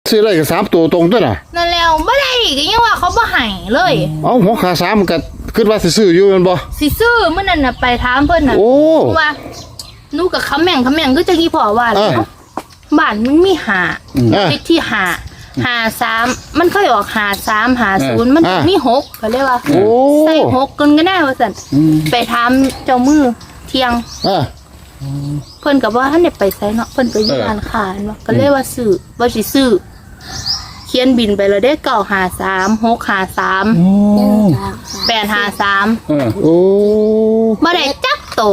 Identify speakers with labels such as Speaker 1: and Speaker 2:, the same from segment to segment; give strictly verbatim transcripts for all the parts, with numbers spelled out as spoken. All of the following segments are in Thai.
Speaker 1: ซื้อได้กับสามตัวตรงด้วยน่ะ
Speaker 2: นั่นแล้วไม่ได้ก็ยังว่าเขาบ่ให้เลย
Speaker 1: เอาหัวขาสามมันก็คิดว่าสิซื้ออยู่แม่นบ่
Speaker 2: สิซื้อมื้อนั้นน่ะไปถามเพิ่นน่ะว่าหนูกับคำแม่งคำแม่งคือจังอีพ่อว่าแล้วบ้านมันมีหาเลขที่หาหาสามมันเคยออกหาสามหาศูนย์มันมีหกก็เรียกว่าใส่หกกันก็ได้ว่าซั่นไปถามเจ้ามือเที่ยงเพิ่นก็ว่าท่านได้ไปไสเนาะเพิ่นไปอยู่ร้านค้าเนาะก็เลยว่าซื้อว่าสิซื้อเขียนบินไปแล้วได้เก้าหาสามหกหาสามแปดหาสาม
Speaker 1: โอ้
Speaker 2: บ่ได้จักโต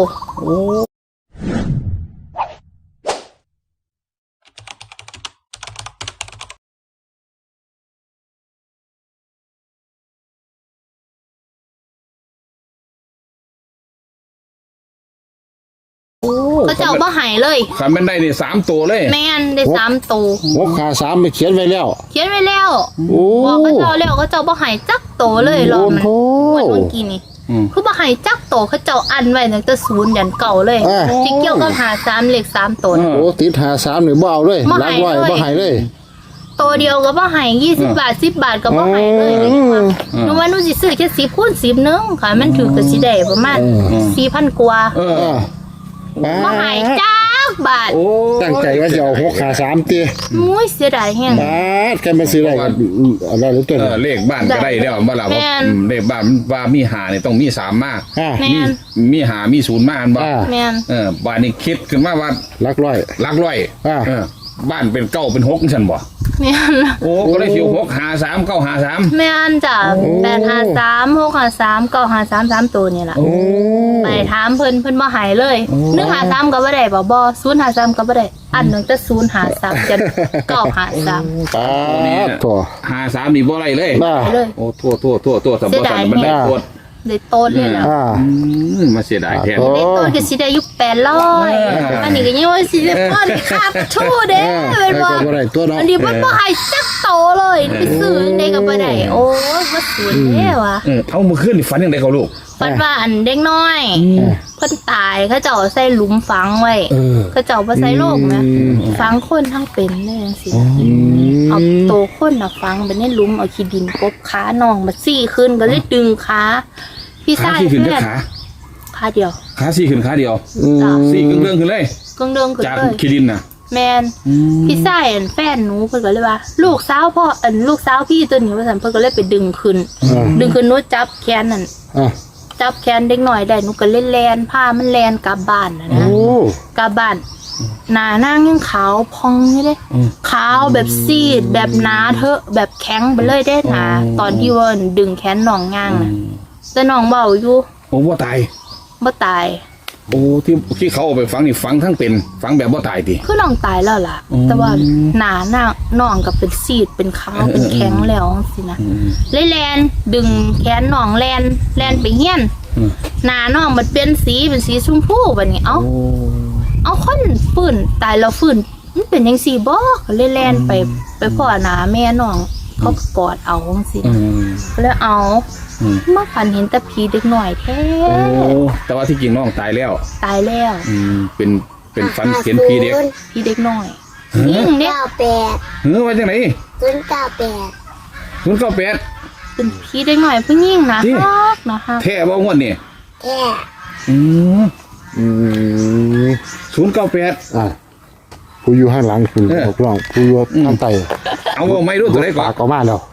Speaker 2: ก็เจ้าบ่หายเลย
Speaker 3: คันมันได้นี่สามตัวเลย
Speaker 2: แม่นได้สามตัว
Speaker 1: หัวขาสามไปเขียนไว้แล้ว
Speaker 2: เขียนไว้แล้วบอกก็เจ้าแล้วก็เจ้าบ่หายจักโตเลยรอมันเมื่อกี้นี่คือบ่หายจักโตเขาเจ้าอันไว้ตั้งแต่ศูนย์ยันเก่าเลยที่เกี่ยวกับหาสามเลขสามตัว
Speaker 1: โอ้ติดหาสามนี่บ่เอาเลยล้างไว้บ่หายเลย
Speaker 2: ตัวเดียวก็บ่หายยี่สิบบาทสิบบาทก็บ่หายเลยหนูว่าหนูสิซื้อแค่สิบคูณสิบนึงค่ะมันถือก็สิได้ประมาณสี่พันกว่าบ่หายจักบาท
Speaker 1: ตั้งใจว่าจะเอาหกขาสามตี
Speaker 2: มุ้ยเสียดายแฮง
Speaker 1: บาทแกมาซื้อได้อะไรหรือตัว
Speaker 3: เลขบ้านก็ได้แล้วบ่ล่ะว่าเลขบ้านว่ามีหานี่ต้องมีสามมากมีมีหามีศูนย์มากบ่เออบ้านนี้คิดขึ้นมาว่า
Speaker 1: ลักร้อย
Speaker 3: ลักร้อยเออบ้านเป็นเก้าเป็นหกฉันบ่
Speaker 2: แม่น
Speaker 3: โอ้ก็ได้สิวหกหาสามเก้าหาสาม
Speaker 2: แม่นจ้ะแปดหาสามหกหาสามเก้าหาสามสามตัวนี่แหละไปถามเพิ่นเพิ่นบ่หายเลยหนึ่งหาสามก็บ่ได้บ่บ่ศูนย์หาสามก็บ่ได้อันหนึ่งจะศูนย์หาสามจะเก้าหาสาม
Speaker 1: ป้าตัว
Speaker 3: หาสามนี่บ่ได้เลยโอ้ทั่วทั่วทั่วทั่วสมบูรณ์มันได้โคตร
Speaker 2: ได้โตดเลยล่ะ
Speaker 3: มาเสียดายแทน
Speaker 2: ได้โตดก็สิได้อยู่แปดร้อยอันนี้ก็ยังว่าสิได้ป้อนค่าทู่เด้เป็นบ่อันนี้มันบ่ให้จักโตเลยไปซื้อได้ก็บ่ได้โอ้ยบ่สวยแท้ว่ะ
Speaker 3: เออเอามื้อคืนนี่ฝันจังได๋เขาลูก
Speaker 2: ฝันว่าอันเด็กน้อยเพิ่นตายเขาเจ้าใส่หลุมฝังไว้เขาเจ้าบ่ใส่โลกนะฝังคนทั้งเป็นเลยจังซี่เอาโตคนน่ะฝังไปในหลุมเอาขี้ดินกบขาน้องมาซี่ขึ้นก็เลยดึงขาพี่ชาย
Speaker 3: ขึ้นขา
Speaker 2: ขาเดียว
Speaker 3: ขาซี่ขึ้นขาเดียวซี่กึ่งเรื่องขึ้นเลย
Speaker 2: กึ่งเรื่องขึ้นเลย
Speaker 3: จากขี้ดินน่ะ
Speaker 2: แมนพี่ชายอันแฟนหนูเพิ่นก็เลยว่าลูกสาวพ่ออันลูกสาวพี่ตัวนี้ว่าซั่นเพิ่นก็เลยไปดึงขึ้นดึงขึ้นหนูจับแขนนั่นจับแขนเด็กน้อยได้หนูก็เล่นแลนผ้ามันแลนกลับบ้านนะนะกลับบ้านหน้านางยังขาวพองนี่เลยขาวแบบซีดแบบหนาเถอะแบบแข็งไปเลยได้หนาตอนที่ว่าดึงแขนน้องย่างน่ะแต่น้องเบาอยู่
Speaker 3: โอ้บ่ตาย
Speaker 2: บ่ตาย
Speaker 3: โอ้ที่ที่เขาเอาไปฝังนี่ฝังทั้งเป็นฝังแบบบ่ตายติ
Speaker 2: คือน้องตายแล้วล่ะแต่ว่าหน้าหน้าน้องก็เป็นซีดเป็นขาวเป็นแข็งแล้วสินะเลยแลนดึงแขนน้องแลนแลนไปเฮียนหน้าน้องมันเป็นสีเป็นสีชมพูแบบนี้เอ้าเอาคนฟื้นตายแล้วฟื้นมันเป็นยังสี่บ่ก็เลยแลนไปไปพ่อหน้าแม่น้องเขากอดเอาสิแล้วเอามาฝันเห็นแต่ผีเด็กหน่อยแท้
Speaker 3: โอ้แต่ว่าที่จริงน้องตายแล้ว
Speaker 2: ตายแล้ว
Speaker 3: อืมเป็นเป็นฝันเห็นผีเด็ก
Speaker 2: ผีเด็กหน่อยยิ่งเนี่ย
Speaker 4: เก้าแปด
Speaker 3: เฮ้ยว่าจังไหน
Speaker 4: ศูนย์เก้าแปด
Speaker 3: ศูนย์เก้าแปด
Speaker 2: เป็นผีเด็กหน่อยผู้หญิงนะฮักนะฮะ
Speaker 3: แท้บ่งวดนี่
Speaker 4: แท้
Speaker 3: อืมอืมศูนย์เก้าแปด
Speaker 1: อ่าผู้อยู่ข้างหลังคุณบอกร้องผู้อยู่ข้างใต้
Speaker 3: เอาไม่รู้ตัวไหนก่อน
Speaker 1: ก็มาแล้ว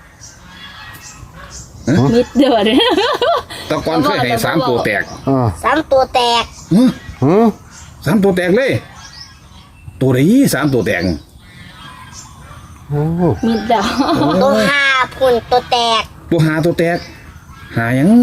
Speaker 2: มิดเดือด
Speaker 3: ตะกอนเคยให้สามตัวแตก
Speaker 4: สามตัวแตก
Speaker 3: สามตัวแตกเลยตัวไหนสามตัวแตก
Speaker 2: มิดเดือด
Speaker 4: ตัวหาพุ่นตัวแตก
Speaker 3: ตัวหาตัวแตกหายัง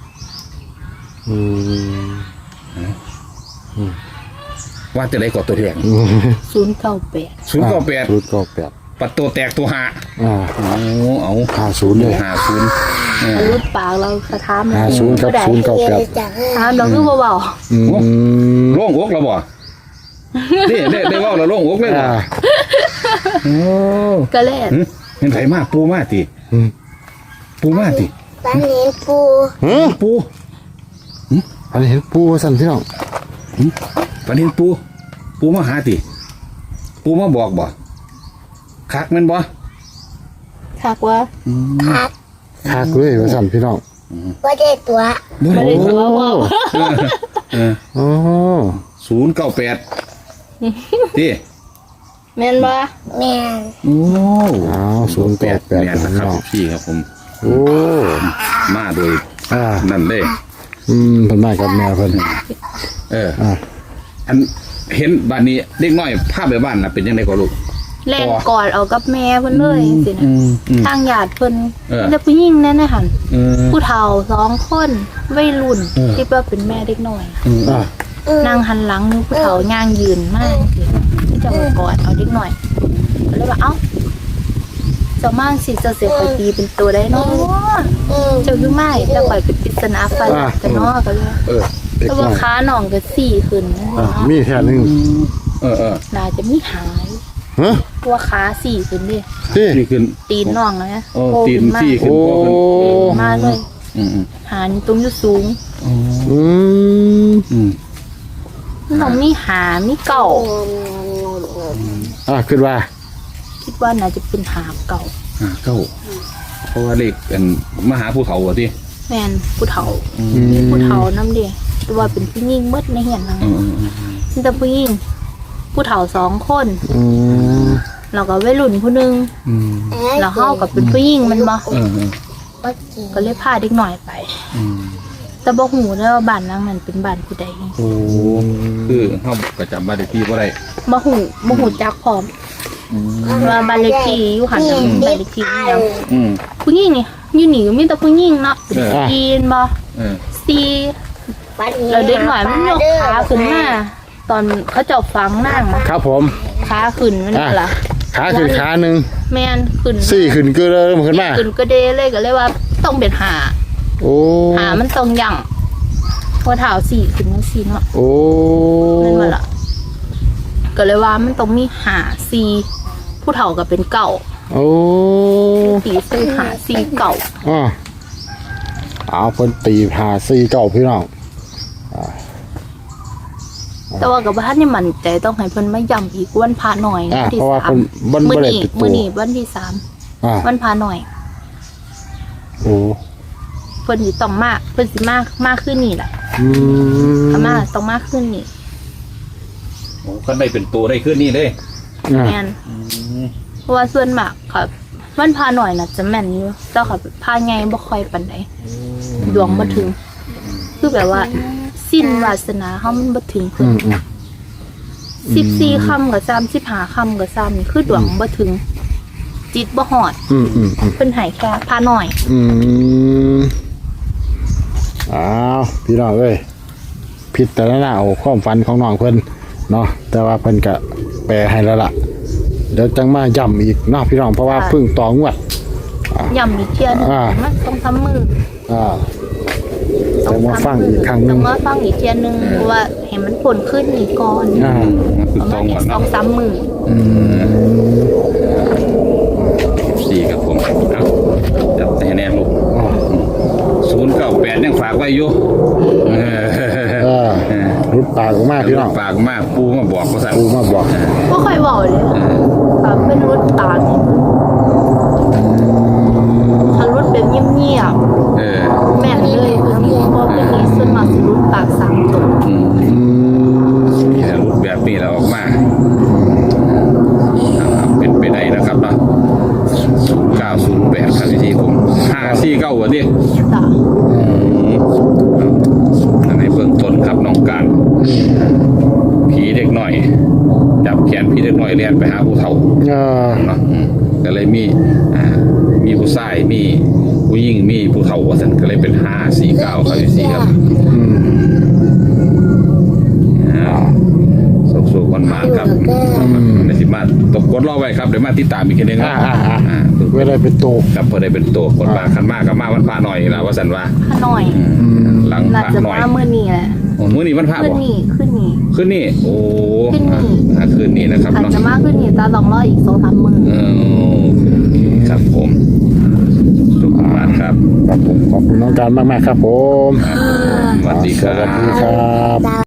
Speaker 3: ว่าจะได้กดตัวแตก
Speaker 2: ศูนย์เก้าแปด
Speaker 3: ศูนย์เก้าแปด
Speaker 1: ศูนย์เก้าแปด
Speaker 3: ปัดตัวแตกตัวหา
Speaker 1: อ่า
Speaker 3: เอา
Speaker 1: หาศูนย์เลย
Speaker 3: หาศูนย์
Speaker 2: รุดปากเราสะท้าน
Speaker 1: หาศูนย์กับศูนย์เก้าแปด
Speaker 2: ถามเราคือเบา
Speaker 3: ๆโล่งอกเราบ่นี่ได้ได้ว่าเราโล่งอกเลยบ่โอ้
Speaker 2: ก็เล่น
Speaker 3: เห็นไถมากปูมากทีปูมากที
Speaker 4: ฝันเห็นปู
Speaker 3: ปู
Speaker 1: ฝันเห็นปูสั่นพี่น้อง
Speaker 3: ฝันเห็นปูปูมาหาทีปูมาบอกบ่คักมันบ่
Speaker 2: คักว่า
Speaker 4: คัก
Speaker 1: คักเลยว่าสั่นพี่น้อง
Speaker 4: ว่าได้ตัว
Speaker 2: ไม่ได้ตัวว่า
Speaker 1: โอ้
Speaker 3: ศูนย์เก้าแปดที่
Speaker 2: แม่นบ่
Speaker 4: แม่น
Speaker 3: โอ้
Speaker 1: อ้าวศูนย์แปดแปด
Speaker 3: เนี่ย
Speaker 1: พี่
Speaker 3: นะครับ
Speaker 1: น้อง
Speaker 3: พี่ครับผม
Speaker 1: โอ้
Speaker 3: มาโดย
Speaker 1: อ่า
Speaker 3: นั่นเลย
Speaker 1: อืมเพิ่นมากับแม่เพิ่น
Speaker 3: เออ
Speaker 1: อ่า
Speaker 3: อันเห็นบ้านนี้เด็กน้อยภาพในบ้านน่ะเป็นยังไงก็ลูก
Speaker 2: แล่นกอดเอากับแม่เพิ่นเลยสินะ
Speaker 3: อืมอืม
Speaker 2: ทางญาติเพิ่น
Speaker 3: เออ
Speaker 2: แต่ผู้หญิงนั่นน่ะหั่น
Speaker 3: เออ
Speaker 2: ผู้เฒ่าสองคนวัยรุ่น
Speaker 3: เออ
Speaker 2: ที่ว่าเป็นแม่เด็กน้อย
Speaker 1: อ่า
Speaker 2: นั่งหันหลังนึงผู้เฒ่าย่างยืนมากสิที่จะมากอดเอาเด็กน้อยก็เลยว่าเอ้าเจ้ามาสิเจ้าเสียไปตีเป็นตัวได้เนาะ
Speaker 4: อืม
Speaker 2: เจ้าคือไม่แต่ข่อยเป็นปริศนาฟันหลักกันเนาะก็เลย
Speaker 3: เออ
Speaker 1: เด็ก
Speaker 2: แต่
Speaker 1: น้
Speaker 2: ว่า
Speaker 1: อย
Speaker 2: ขาหนองก็สี่ขึ้น
Speaker 1: อ่ามีแค่นึง
Speaker 3: เออเออ
Speaker 2: น่าจะมีหาย
Speaker 1: ฮะ
Speaker 2: เพราะว่าขาสี่ขึ้นดิ
Speaker 1: ที่
Speaker 3: นี่ขึ้น
Speaker 2: ตีนน่องนะ
Speaker 3: โอ้
Speaker 2: โผล่
Speaker 3: ตีน
Speaker 2: ขึ้นมา
Speaker 3: สี่ขึ้น
Speaker 1: โอ้
Speaker 3: พอขึ้น
Speaker 2: ตีนมาเลย
Speaker 3: อืมอืม
Speaker 2: หานี่ตรงอยู่สูง
Speaker 1: อืม
Speaker 3: อืม
Speaker 2: มันต้องมีหามีเก่า
Speaker 1: อ่าขึ้นว่า
Speaker 2: คิดว่าน่าจะเป็นหาเก่า
Speaker 3: อ่าเข้าเพราะว่าเลขเป็นมหาภูเขาอ่ะที่
Speaker 2: แม่นผู้เฒ่า
Speaker 1: อืม
Speaker 2: ผู้เฒ่าน้ำเดียแต่ว่าเป็นผู้หญิงหมดในเหียนนั่ง
Speaker 3: อืมอืมอืม
Speaker 2: มีแต่ผู้หญิงผู้เฒ่าสองคน
Speaker 1: อืม
Speaker 2: แล้วก็วัยรุ่นผู้หนึง
Speaker 3: อืม
Speaker 2: แล้วเฮากับเป็นผู้หญิงมันบ่
Speaker 3: เออเออ
Speaker 4: ว่าจริง
Speaker 2: ก็เลยพาเด็กหน่อยไป
Speaker 3: อืม
Speaker 2: แต่บ่ฮู้แล้วว่าบ้านหลังนั้นเป็นบ้านผู้ใด
Speaker 3: โอ้คือเขาก็จำบ้านเลขที่ว่าไร
Speaker 2: บ่ฮู้บ่ฮู้จักพร้อมว่าบ้านเลขที่อยู่หันน่ะบ้านเลขที่อีหยัง
Speaker 3: อืม
Speaker 2: ผู้หญิงนี่อยู่นี่ก็มีแต่ผู้หญิงเนาะเป็น
Speaker 3: เออ
Speaker 2: จีนบ่
Speaker 3: เออ
Speaker 2: ซี
Speaker 4: วันนี้
Speaker 2: แล้วเด็กหน่อยมันยกขาขึ้นมาตอนเขาเจ้าฝังนางนะครับ
Speaker 1: ผม
Speaker 2: ขาขึ้นมันนี่ล่ะ
Speaker 1: ขาขึ้นขาหนึ่ง
Speaker 2: แม่นขึ้น
Speaker 1: สี่ขึ้นก็เริ่มขึ้นมา
Speaker 2: ขึ้นก็เดเลยก็เลยว่าต้องเป็นหา
Speaker 1: โอ้
Speaker 2: หามันต้องยั่งเพอเท้าสี่ขึ้นจังซี่เนาะ
Speaker 1: โอ้
Speaker 2: นั่นว่าล่ะก็เลยว่ามันต้องมีหาซีผู้เฒ่าก็เป็นเก่า
Speaker 1: โอ้
Speaker 2: ตีซื้อหาซีเก่า
Speaker 1: อ่าเอาเพิ่นตีหาสี่เก้าพี่น้อง
Speaker 2: แต่ว่ากับบ้านนี่มั่นใจต้องให้เพิ่นมาย้ำอีกวันพาหน่อย
Speaker 1: อ่า
Speaker 2: วันที่
Speaker 1: เพราะว่า
Speaker 2: สาม
Speaker 1: เพิ่นบ่
Speaker 2: มื้อ
Speaker 1: บ่ได้
Speaker 2: นี้
Speaker 1: ติดตัว
Speaker 2: มื้อนี้วันที่สาม
Speaker 1: อ่า
Speaker 2: วันพาหน่อย
Speaker 1: โอ้
Speaker 2: เพิ่นสิต้องมาเพิ่นสิมากมากขึ้นนี่แหละ
Speaker 1: อืม
Speaker 2: ถ้ามาต้องมากขึ้นนี่
Speaker 3: โอ้ก็ได้เป็นตัวได้ขึ้นนี่เลย
Speaker 1: อ่า
Speaker 2: แม่นเพราะว่าส่วนมากค่ะวันพาหน่อยน่ะจะแม่นอยู่แต่ค่ะพาไงบ่ค่อยปานใดดวงบ่ถึง คือแบบว่า สิ้นวาสนาเฮามันบ่ถึงเพิ่
Speaker 1: อื
Speaker 2: น
Speaker 1: มอืม
Speaker 2: สิบสี่ค่ำกับสามสิบห้าค่ำกับสามนี่คือดวงบ่ถึง จิตบ่ฮอด
Speaker 1: อืมอืมอืม
Speaker 2: เพิ่นให้แค่พาหน่อย
Speaker 1: อืมอ้าวพี่น้องเอ้ยพิจารณาเอาความฝันของน้องเพิ่นเนาะแต่ว่าเพิ่นก็แปลให้แล้วล่ะเดี๋ยวจังมาย้ำอีกเนาะพี่น้องเพราะว่าเพิ่งต่องวด
Speaker 2: ย่ำอีกเที่ยหนึง
Speaker 1: อ่า
Speaker 2: มันต้องทำมือ
Speaker 1: อ่าจะมาฟังอีกครั้งหนึ
Speaker 2: ต้อง งมาฟังอีกเที่ยหนึงเพราะว่าให้มันผลขึ้นนี่ก่อน
Speaker 1: อ่า
Speaker 3: คือ
Speaker 2: ประ
Speaker 3: ต
Speaker 2: มา
Speaker 3: อ
Speaker 2: ณ
Speaker 3: ง
Speaker 2: เนี่ย
Speaker 3: ก่อน
Speaker 2: สอ
Speaker 3: เนาะ
Speaker 2: งสามมือ
Speaker 1: อืม
Speaker 3: สี่ครับผมเอาจับแต่แน่ลูก
Speaker 1: อ๋อ
Speaker 3: ศูนย์เก้าแปดยังฝากไว้อยู่เออ
Speaker 1: เออรุดปากออกมาพี่น้อง
Speaker 3: ฝากมากปูมาบอกก็สั่ง
Speaker 1: ปูมาบอก
Speaker 2: ก็ค่อยบอกเลยค่ะเป็นรุดตาเนี่ยถ้ารุดแบบเงียบ
Speaker 3: เออ
Speaker 2: ๆแม่นเลยคือนี่เพราะเป็นนี้ส่วนมากสิรุดปากสามตัว
Speaker 3: อืม
Speaker 1: อืม
Speaker 3: นี่แหละรูปแบบนี้เราออกมาเอาเป็นไปได้นะครับเนาะศูนย์เก้าศูนย์แปดครับที่ผมห้าสี่เก้าวันนี้
Speaker 2: จ้ะ
Speaker 3: อันในเบื้องต้นครับน้องการผีเด็กหน่อย จับแขนผีเด็กหน่อยเรียนไปหาผู้เฒ่า
Speaker 1: เออ
Speaker 3: เนาะอืมก็เลยมีอ่ามีผู้ชายมีผู้หญิงมีผู้เฒ่าว่าสันก็เลยเป็นห้าสี่เก้าครับที่สี่ครับ
Speaker 1: อืม
Speaker 3: สุกสุกคนมาครับในสิมาตกกดรอไว้ครับเดี๋ยวมาติดตามอีกทีนึงค
Speaker 1: อ่า
Speaker 3: รับ
Speaker 1: อ่าอ่า
Speaker 3: อ่า
Speaker 1: เวลาเป็นโต
Speaker 3: ครับพอได้เป็นตัวคนมาขันมากกับมาวันพระหน่อยละว่าสันว่า
Speaker 2: ข้าหน่อย
Speaker 1: อืม
Speaker 3: หลัง
Speaker 2: น่า
Speaker 3: พระ
Speaker 2: จะ
Speaker 3: หน่อย
Speaker 2: มาเมื่อนี้แหละ
Speaker 3: โอ้มื้อนี้วันพระ
Speaker 2: ขึ้น
Speaker 3: บ่
Speaker 2: นี่ขึ้นนี่
Speaker 3: ขึ้นนี่โอ้
Speaker 2: ขึ้นนี่
Speaker 3: อ่าคืนนี้นะครับ
Speaker 2: อาจ
Speaker 3: เนาะ
Speaker 2: จะมากขึ้นนี่ตาลองรออีกสองสามมือ
Speaker 3: เออครับผมสุขมากครับ
Speaker 1: ครับผมขอบคุณน้องการมากๆครับผม
Speaker 3: สวัสดีค
Speaker 1: ส
Speaker 3: รั
Speaker 1: วัสดี
Speaker 3: บ
Speaker 1: ครับ
Speaker 4: ดาว